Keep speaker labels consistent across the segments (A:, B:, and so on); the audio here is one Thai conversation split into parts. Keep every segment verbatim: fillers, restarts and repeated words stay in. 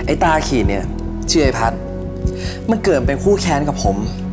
A: อ้ตาขีดเนี่ยชื่อไอ้พัดมันเกิดเป็นคู่แค้นกับผม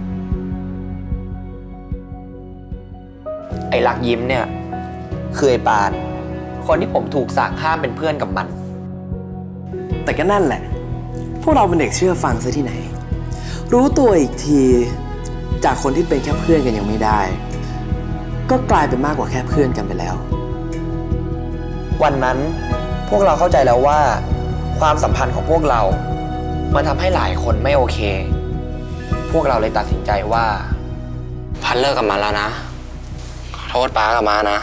B: ไอ้รักยิ้มเนี่ยคือไอ้ปานคนที่ผมถูกสั่งห้ามเป็นเพื่อนกับมัน
A: แต่ก็นั่นแหละพวกเราเป็นเด็กเชื่อฟังซะที่ไหนรู้ตัวอีกทีจากคนที่เป็นแค่เพื่อนกันยังไม่ได้ก็กลายเป็นมากกว่าแค่เพื่อนกันไปแล้ว
B: วันนั้นพวกเราเข้าใจแล้วว่าความสัมพันธ์ของพวกเรามันทำให้หลายคนไม่โอเคพวกเราเลยตัดสินใจว่าพันเลิกกับมันแล้วนะขอโทษป้ากับมานะ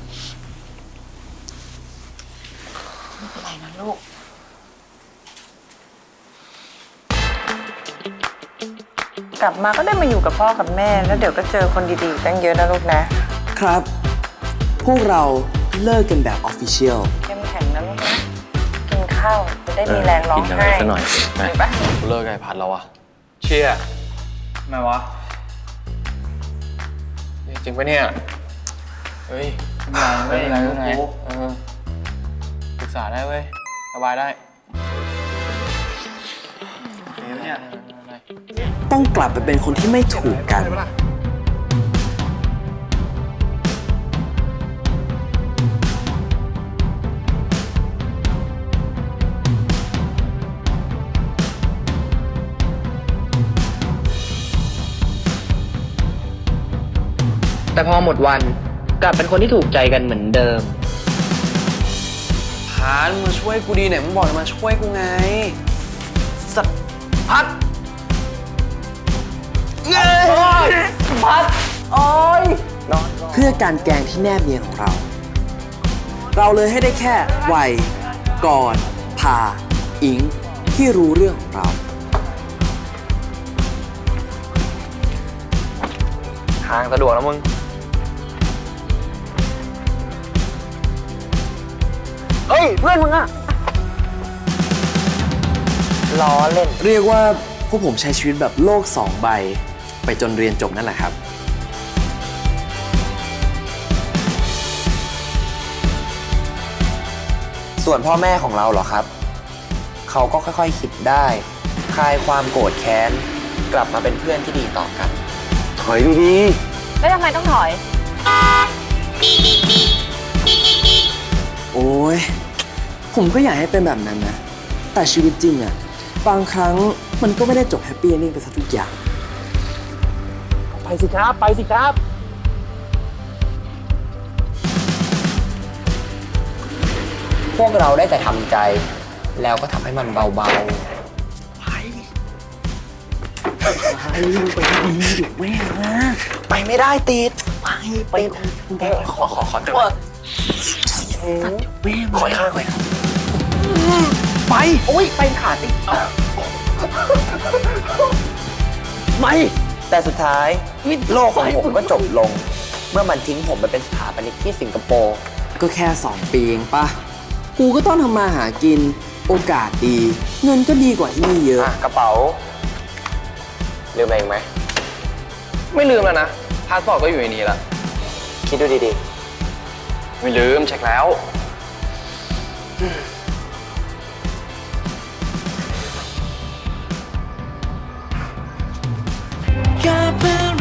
C: อะไรนะลูกกลับมาก็ได้มาอยู่กับพ่อกับแม่แล้วเดี๋ยวก็เจอคนดีๆตั้งเยอะนะลูกนะครับ
A: พวกเราเลิกกันแบบออฟฟิเชียล
C: เข้มแข็งนะลูกนะกินข้าวจะได้มีแรงร้องไห้
D: สักหน่อย
C: เห็นปะ
D: เลิกไอ้พัดแล้ววะเชี่ยทำไมวะจริงปะเนี่ยเฮ้ยไม่เป็นไรไม่เป็นไรเออปรึกษาได้เว้ยสบายได้เนี่ย
A: ต้องกลับไปเป็นคนที่ไม่ถูกกัน
B: แต่พอหมดวันกลับเป็นคนที่ถูกใจกันเหมือนเดิม
A: พานมาช่วยกูดีเนี่ยมึงบอกจะมาช่วยกูไงสัตว์พัดเย้พัดโอ้ยเพื่อการแกล้งที่แนบเนียนของเราเราเลยให้ได้แค่ไวก่อนพาอิงที่รู้เรื่องของเรา
B: ทางสะดวกแล้วมึงเฮ้ยเพื่อนมึงอะล้อเล่น
A: เรียกว่าพวกผมใช้ชีวิตแบบโลกสองใบไปจนเรียนจบนั่นแหละครับ
B: ส่วนพ่อแม่ของเราเหรอครับเขาก็ค่อยๆคิดได้คลายความโกรธแค้นกลับมาเป็นเพื่อนที่ดีต่อกัน
A: ถอยดี
E: ๆแล้วทำไมต้องถอย
A: โอ้ยผมก็อยากให้เป็นแบบนั้นนะแต่ชีวิตจริงอะบางครั้งมันก็ไม่ได้จบแฮปปี้เอนดิ้งไปซะทุกอย่าง
B: ไปสิครับไปสิครับพวกเราได้แต่ทำใจแล้วก็ทำให้มันเบาๆไปไปไปดีอยู่แม่นะไปไม่ได้ติดไปไปขอขอขอตัวแม่ขอข้างไปไปโอ้ยไปขาดดิไม่แต่สุดท้ายโลกของผมก็จบลงเมื่อมันทิ้งผมไปเป็นสถาปนิกที่สิงคโปร์
A: ก็แค่สองปีเองป่ะกูก็ต้องทำมาหากินโอกาสดีเงินก็ดีกว่าที่นี่เยอะ
B: กระเป๋าลืมอะไรอีกไหม
D: ไม่ลืมแล้วนะพาสปอร์ตก็อยู่ในนี้ละ
B: คิดดูดี
D: ๆไม่ลืมเช็คแล้ว
A: แค่เพื่อน